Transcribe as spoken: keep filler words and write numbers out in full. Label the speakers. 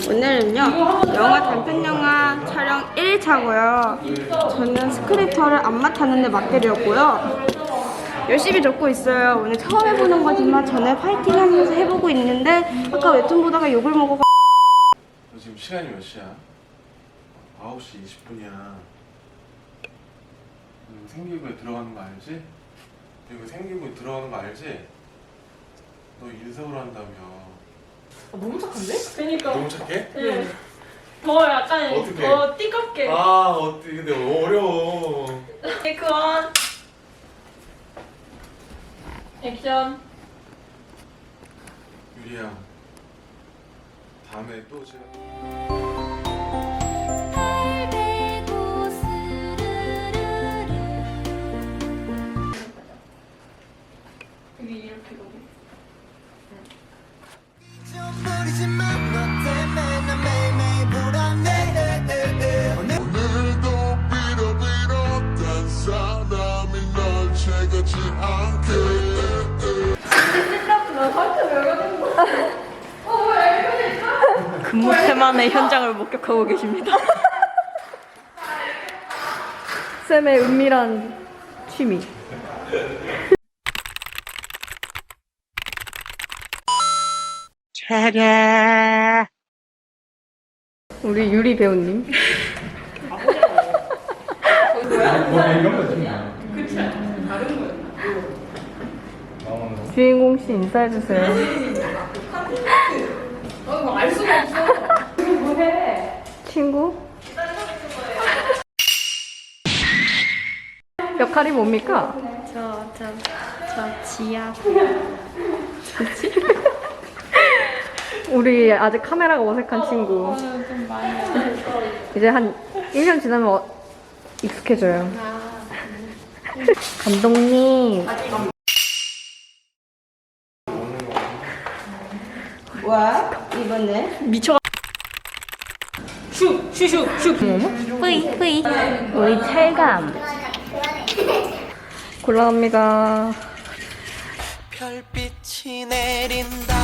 Speaker 1: 오늘은요 영화 단편영화 촬영 일 일차고요 저는 스크립터를 안 맡았는데 맡기려고요 열심히 적고 있어요. 오늘 처음 해보는 거지만 전에 파이팅 하면서 해보고 있는데 아까 웹툰 보다가 욕을 먹어가.
Speaker 2: 너 지금 시간이 몇 시야? 아홉 시 이십 분이야. 이거 생기부에 들어가는 거 알지? 이거 생기부에 들어가는 거 알지? 너 일서울 한다며.
Speaker 3: 아, 너무 착한데?
Speaker 4: 그니까.
Speaker 2: 너무 착해?
Speaker 4: 네. 더 약간
Speaker 2: 어떡해?
Speaker 4: 더 띠껍게.
Speaker 2: 아 어떻게 근데 어려워.
Speaker 4: 테이크원. 액션.
Speaker 2: 유리야. 다음에 또 제가.
Speaker 4: 여기 이렇게 너무.
Speaker 5: 오늘도 비로비롯한 사람이 널 채가지 않게.
Speaker 3: 근무 태만의 현장을 목격하고 계십니다. 쌤의 은밀한 취미. 차례. 우리 유리 배우님. 주인공 씨 인사해 주세요.
Speaker 4: 알 수가 없어. 이거 뭐해?
Speaker 3: 친구? 역할이 뭡니까?
Speaker 6: 저, 저, 저 지압.
Speaker 3: 우리 아직 카메라가 어색한 친구.
Speaker 6: 좀 많이.
Speaker 3: 이제 한 일 년 지나면 어, 익숙해져요. 감독님.
Speaker 1: 뭐야? 이번에?
Speaker 3: 미쳐.
Speaker 4: 슉, 슉, 슉.
Speaker 3: 뿌이, 뿌이. 우리 찰감. 곤란합니다.
Speaker 7: 별빛이 내린다.